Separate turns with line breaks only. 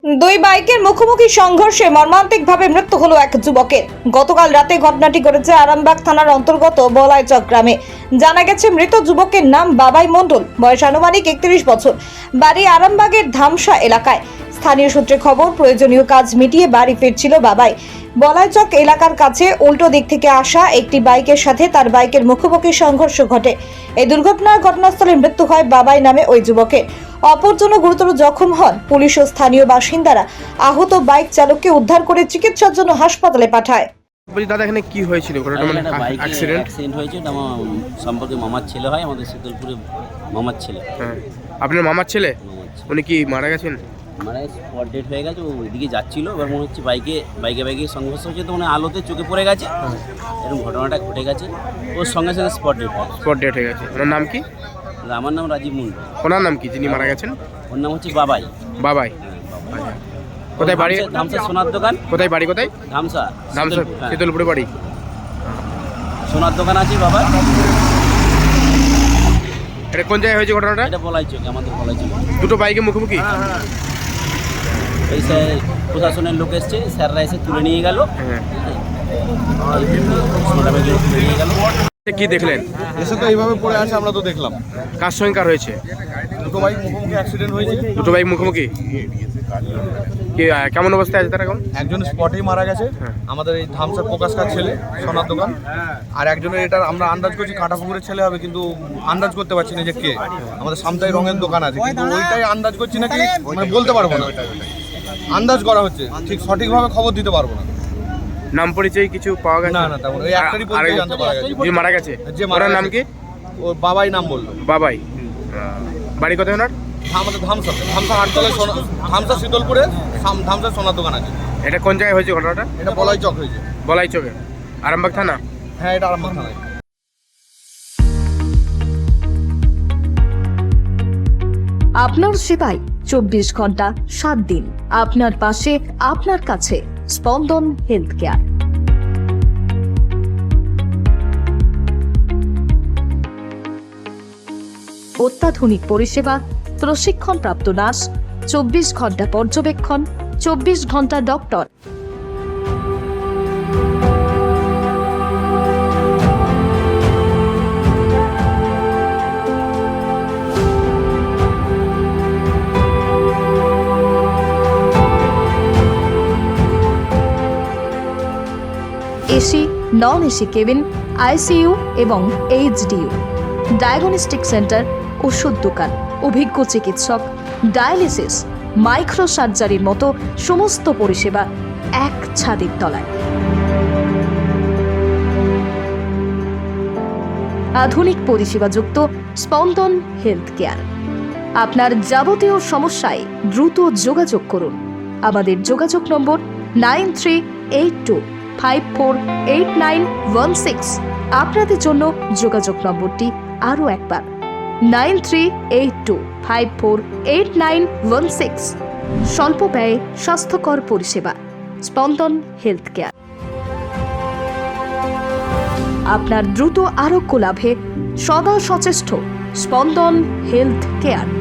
দুই বাইকের মুখোমুখি সংঘর্ষে মর্মান্তিকভাবে মৃত্যু হলো এক যুবকের। গতকাল রাতে ঘটনাটি ঘটেছে আরামবাগ থানার অন্তর্গত বলাইচক গ্রামে। জানা গেছে মৃত যুবকের নাম বাবাই মণ্ডল, বয়স আনুমানিক 31 বছর, বাড়ি আরামবাগের ধামসা এলাকায়। স্থানীয় সূত্রে খবর, প্রয়োজনীয় কাজ মিটিয়ে বাড়ি ফিরছিল বাবাই। বলাইচক এলাকার কাছে উল্টো দিক থেকে আসা একটি বাইকের সাথে তার বাইকের মুখোমুখি সংঘর্ষ ঘটে। এই দুর্ঘটনার ঘটনাস্থলে মৃত্যু হয় বাবাই নামে ওই যুবকের। অপরজন গুরুতর জখম হন। পুলিশ ও স্থানীয় বাসিন্দারা আহত বাইক চালককে উদ্ধার করে চিকিৎসার জন্য হাসপাতালে পাঠায়।
বলছি দাদা, এখানে কি হয়েছিল? অ্যাক্সিডেন্ট
হয়েছে। এটা আমার সম্পর্কে মামার ছেলে হয়, আমাদের শীতলপুরে মামার ছেলে।
হ্যাঁ, আপনার মামার ছেলে? উনি কি মারা গেছেন?
মানে স্পট ডেট হয়ে গেছে। ও ওইদিকে যাচ্ছিল, এবার মনে হচ্ছে বাইকে সংঘর্ষ হচ্ছে, তো মানে আলোতে চোখে পড়ে গেছে। এরকম ঘটনাটা ঘটে গেছে, ওর সঙ্গে সঙ্গে স্পট ডেট
হয়ে গেছে। ওনার নাম কি?
আমার নাম রাজীব মুন্ডু।
ওনার নাম কি যিনি মারা গেছেন?
ওর নাম হচ্ছে বাবাই।
বাবাই। কোথায় বাড়ি?
ধামসা সোনার দোকান।
কোথায় বাড়ি? কোথায়?
ধামসা
শীতলপুরে বাড়ি।
সোনার দোকান আছে বাবা।
এটা কোন জায়গায় হয়েছে ঘটনাটা?
এটা বলাইচক, আমাদের বলাইচক।
দুটো বাইকে মুখোমুখি?
এই স্যার প্রশাসনের লোক এসছে, স্যাররা এসে তুলে নিয়ে গেল। তুলে নিয়ে গেল।
কি দেখলেন?
এসে তো এইভাবে পড়ে আছে, আমরা তো দেখলাম।
কার সঙ্গে কার হয়েছে?
দুটো বাইক মুখোমুখি অ্যাক্সিডেন্ট হয়েছে।
দুটো বাইক মুখোমুখি? কি কেমন অবস্থায় আছে তারা এখন?
একজন স্পটেই মারা গেছে, আমাদের এই ধামসার প্রকাশকার ছেলে, সোনার দোকান। আর একজনের এটা আমরা আন্দাজ করছি কাঁটাপুকুরের ছেলে হবে, কিন্তু আন্দাজ করতে পারছি না যে কে। আমাদের সামতাই রঙের দোকান আছে, কিন্তু ওইটাই আন্দাজ করছি নাকি মানে বলতে পারবো না। আন্দাজ করা হচ্ছে, ঠিক সঠিকভাবে খবর দিতে পারবো না।
নাম পরিচয় কিছু পাওয়া গেছে?
না না, তেমন ওই একটারই পরিচয় জানতে পারা গেছে।
যে মারা গেছে,
যে
ওনার নাম কি?
ওর বাবাই নাম বললো।
বাবাই। বাড়ি কোথায় ওনার?
আমাদের ধামসা আটতলায়, ধামসা শীতলপুরে ধামসার সোনার দোকান আছে।
এটা কোন জায়গায় হয়েছে ঘটনাটা?
এটা বলাইচক হয়েছে।
বলাইচকে, আরামবাগ থানা?
হ্যাঁ, এটা আরামবাগ থানায়।
আপনার সেবায় 24 ঘন্টা 7 দিন, আপনার পাশে, আপনার কাছে। স্পন্দন হেলথ কেয়ার। অত্যাধুনিক পরিষেবা, প্রশিক্ষণপ্রাপ্ত নার্স, 24 ঘন্টা পর্যবেক্ষণ, 24 ঘন্টা doctor. AC, non AC cabin, ICU এবং এইচডিইউ, ডায়াগনস্টিক সেন্টার, ওষুধ দোকান, অভিজ্ঞ চিকিৎসক, ডায়ালিসিস, মাইক্রো সার্জারির মতো সমস্ত পরিষেবা এক ছাদের তলায়। আধুনিক পরিষেবাযুক্ত স্পন্দন হেলথ কেয়ার। আপনার যাবতীয় সমস্যায় দ্রুত যোগাযোগ করুন। আমাদের যোগাযোগ নম্বর 9382548916। আপনাদের জন্য যোগাযোগ নম্বরটি আরও একবার 9382548916। স্বল্প ব্যয়ে স্বাস্থ্যকর পরিষেবা, স্পন্দন হেলথ কেয়ার। আপনার দ্রুত আরোগ্য লাভে সদা সচেষ্ট স্পন্দন হেলথ কেয়ার।